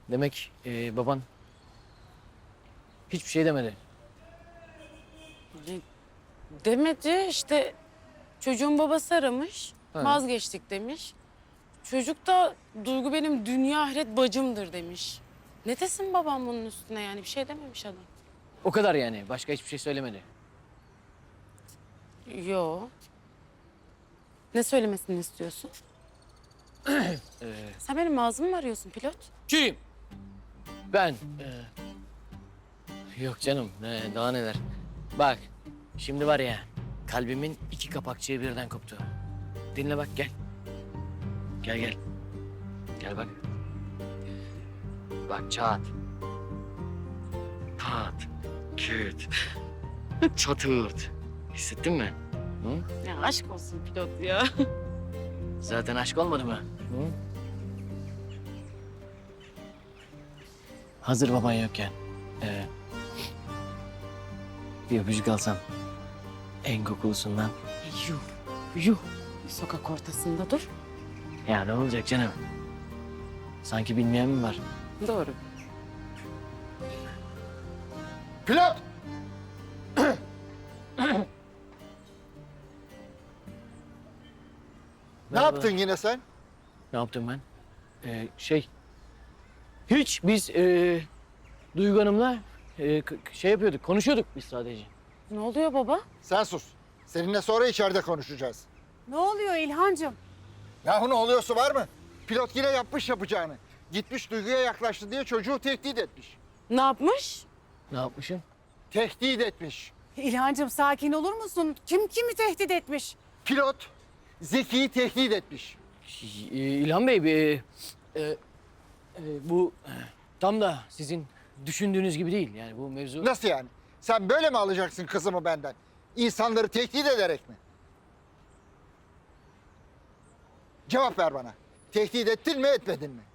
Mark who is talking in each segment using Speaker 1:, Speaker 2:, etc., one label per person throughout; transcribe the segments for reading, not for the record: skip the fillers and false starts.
Speaker 1: Demek baban hiçbir şey demedi.
Speaker 2: Demedi işte, çocuğun babası aramış,
Speaker 1: Ha.
Speaker 2: vazgeçtik demiş. Çocuk da Duygu benim dünya ahiret bacımdır demiş. Ne desin babam bunun üstüne, yani bir şey dememiş adam.
Speaker 1: O kadar yani. Başka hiçbir şey söylemedi.
Speaker 2: Yo. Ne söylemesini istiyorsun? Sen benim ağzımı mı arıyorsun pilot?
Speaker 1: Kim? Ben. Yok canım. Daha neler. Bak. Şimdi var ya. Kalbimin iki kapakçığı birden koptu. Dinle bak gel. Gel gel. Gel bak. Bak çat. Tat. Küt. Çatırt. Hissettin mi? Hı?
Speaker 2: Ya aşk olsun pilot ya.
Speaker 1: Zaten aşk olmadı mı? Hı? Hazır baban yokken bir öpücük alsam en kokulusundan.
Speaker 2: Yuh, yuh. Sokak ortasında dur.
Speaker 1: Ya ne olacak canım? Sanki bilmeyen mi var?
Speaker 2: Doğru.
Speaker 3: Pilot! Ne
Speaker 1: Merhaba.
Speaker 3: yaptın yine sen?
Speaker 1: Ne yaptım ben? Hiç biz Duygu Hanım'la şey yapıyorduk, konuşuyorduk biz sadece.
Speaker 2: Ne oluyor baba?
Speaker 3: Sen sus. Seninle sonra içeride konuşacağız.
Speaker 4: Ne oluyor İlhancığım?
Speaker 3: Yahu ne oluyorsa var mı? Pilot yine yapmış yapacağını. Gitmiş Duygu'ya yaklaştı diye çocuğu tehdit etmiş.
Speaker 2: Ne yapmış?
Speaker 1: Ne yapmışım?
Speaker 3: Tehdit etmiş.
Speaker 4: İlhancığım sakin olur musun? Kim kimi tehdit etmiş?
Speaker 3: Pilot Zeki'yi tehdit etmiş.
Speaker 1: İlhan Bey, bu tam da sizin düşündüğünüz gibi değil. Yani bu mevzu...
Speaker 3: Nasıl yani? Sen böyle mi alacaksın kızımı benden? İnsanları tehdit ederek mi? Cevap ver bana. Tehdit ettin mi etmedin mi?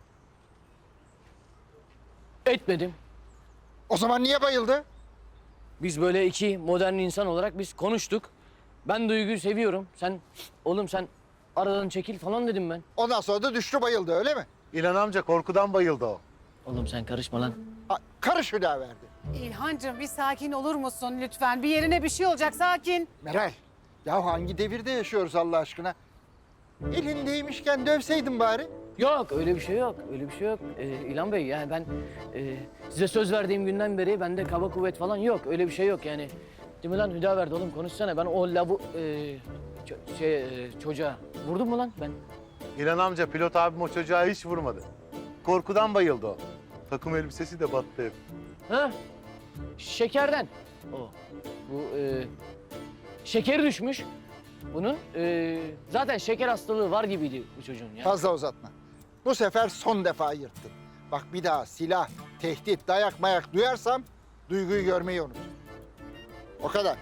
Speaker 1: Etmedim.
Speaker 3: O zaman niye bayıldı?
Speaker 1: Biz böyle iki modern insan olarak biz konuştuk. Ben Duygu'yu seviyorum. Oğlum sen aradan çekil falan dedim ben.
Speaker 3: Ondan sonra da düştü bayıldı öyle mi?
Speaker 5: İlhan amca korkudan bayıldı o.
Speaker 1: Oğlum sen karışma lan.
Speaker 3: Karış verdi.
Speaker 4: İlhancığım bir sakin olur musun lütfen? Bir yerine bir şey olacak sakin.
Speaker 3: Meral, ya hangi devirde yaşıyoruz Allah aşkına? Elindeymişken dövseydin bari.
Speaker 1: Yok öyle bir şey yok. Öyle bir şey yok. İlhan Bey yani ben size söz verdiğim günden beri bende kaba kuvvet falan yok. Öyle bir şey yok yani. Değil mi lan Hüdaverdi oğlum konuşsana. Ben o çocuğa vurdum mu lan ben?
Speaker 5: İlhan amca pilot abim o çocuğa hiç vurmadı. Korkudan bayıldı o. Takım elbisesi de battı hep.
Speaker 1: Ha? Şekerden. O. Bu şekeri düşmüş. Bunun zaten şeker hastalığı var gibiydi bu çocuğun ya.
Speaker 3: Fazla uzatma. Bu sefer son defa yırttın. Bak bir daha silah, tehdit, dayak mayak duyarsam Duygu'yu görmeyi unut. O kadar.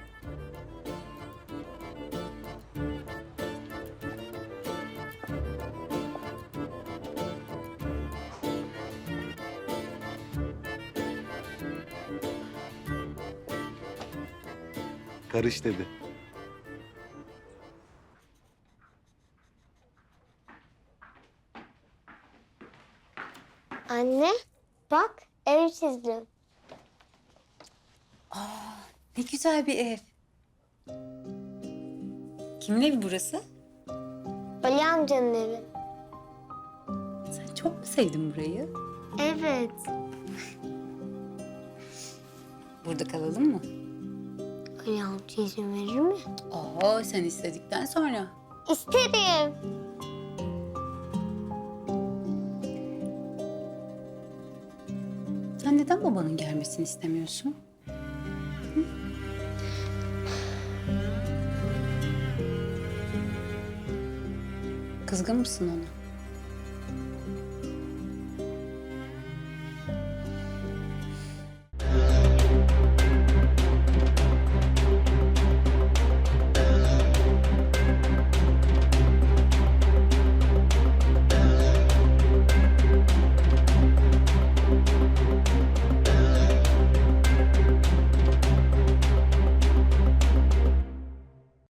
Speaker 5: Karış dedi.
Speaker 6: Anne, bak ev çizdim.
Speaker 7: Ne güzel bir ev. Kimin evi burası?
Speaker 6: Ali amcanın evi.
Speaker 7: Sen çok mu sevdin burayı?
Speaker 6: Evet.
Speaker 7: Burada kalalım mı?
Speaker 6: Ali amca izin verir mi?
Speaker 7: Oo, sen istedikten sonra.
Speaker 6: İsterim.
Speaker 7: Sen neden babanın gelmesini istemiyorsun? Hı? Kızgın mısın ona?